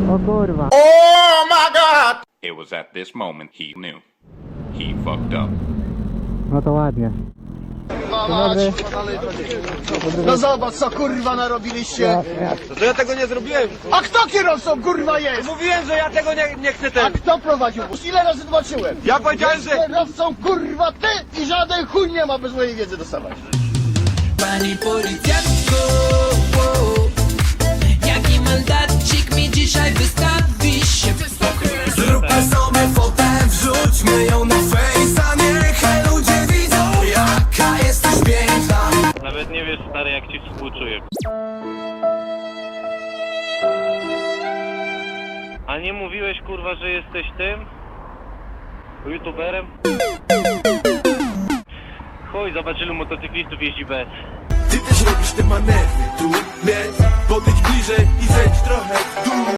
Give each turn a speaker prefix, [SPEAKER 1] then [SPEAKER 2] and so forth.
[SPEAKER 1] O kurwa.
[SPEAKER 2] Oh my god!
[SPEAKER 3] It was at this moment he knew. He fucked up.
[SPEAKER 1] No to ładnie. Dobry.
[SPEAKER 2] No zobacz co kurwa narobiliście.
[SPEAKER 4] To ja tego nie zrobiłem.
[SPEAKER 2] A kto kierowcą kurwa jest?
[SPEAKER 4] Mówiłem, że ja tego nie chcę
[SPEAKER 2] A
[SPEAKER 4] ten.
[SPEAKER 2] kto prowadził bus? Ile razy zobaczyłem?
[SPEAKER 4] Ja powiedziałem, że...
[SPEAKER 2] Kierowcą kurwa ty i żaden chuj nie ma bez mojej wiedzy dostawać.
[SPEAKER 5] Pani policjantko, jaki mandacik mi dzisiaj wystawisz?
[SPEAKER 6] Zróbmy sobie fotę, wrzućmy ją na fejsa. Niech ludzie widzą, jaka jesteś piękna.
[SPEAKER 7] Nawet nie wiesz, stary, jak ci współczuję. A nie mówiłeś, kurwa, że jesteś tym? YouTuberem? Chuj, zobacz, ilu motocyklistów jeździ bez.
[SPEAKER 6] Ty też robisz te manewry tu, więc podejdź bliżej i zejdź trochę w dół.